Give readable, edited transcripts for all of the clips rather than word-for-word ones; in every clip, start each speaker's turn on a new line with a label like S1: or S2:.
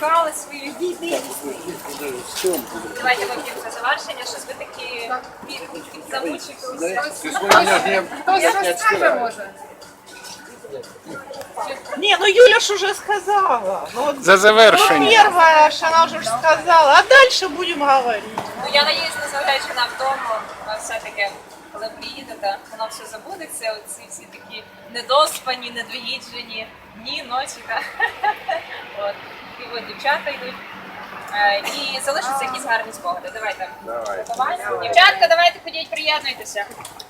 S1: шукали свої відповіді. Давайте вип'ємо за завершення, щось ви такі замучили.
S2: Хтось розкаже, може.
S3: Не, ну Юля ж уже сказала. Ну, вот,
S4: За завершення.
S3: первое, что она уже сказала, а дальше будем говорить.
S1: Ну, я надіюсь, незважаючи на вдома, все-таки, коли приїдете, воно все забудеться, оці всі такі недоспані, недоїджені дні, ночі. От. І от дівчата йдуть. І залишаться якісь гарні спогади. Давайте. Дівчатка, давайте ходіть, приєднуйтеся.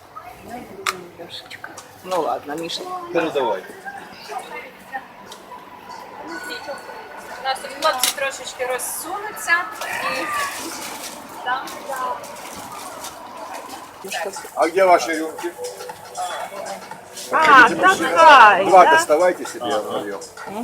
S3: Ну ладно, Миша.
S4: Передавай.
S1: У нас тут хлопці трошечки розсунуться. І... Там.
S5: А где ваши рюмки?
S3: А, такая,
S5: Два
S3: да?
S5: доставайте себе вдвоем.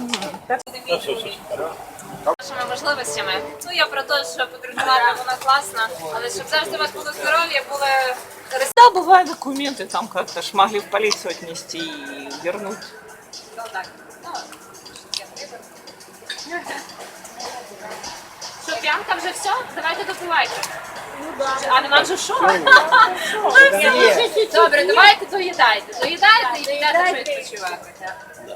S1: Нашими можливостями. Ну, я про те, що подорожувати вона класна, але щоб завжди у вас було здоров'я, були
S3: Да, бывают документы, там как-то ж могли в полицию отнести и вернуть.
S1: ну, так. Ну, я виберу. Що, п'янка вже все? Давайте допивайте. А нема вже що? Добре, давайте доїдайте. Доїдайте і підете відпочивати.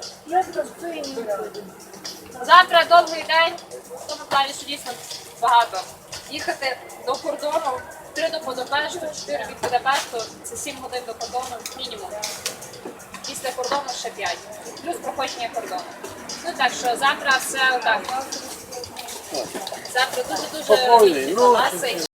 S1: Завтра довгий день, в тому плані, що дійсно багато. Їхати до кордону, 3 до Будапешту, 4 від Будапешту, це 7 годин до кордону мінімум. Після кордону ще 5. Плюс проходження кордону. Ну так що завтра все отак. Завтра дуже-дуже різні класи.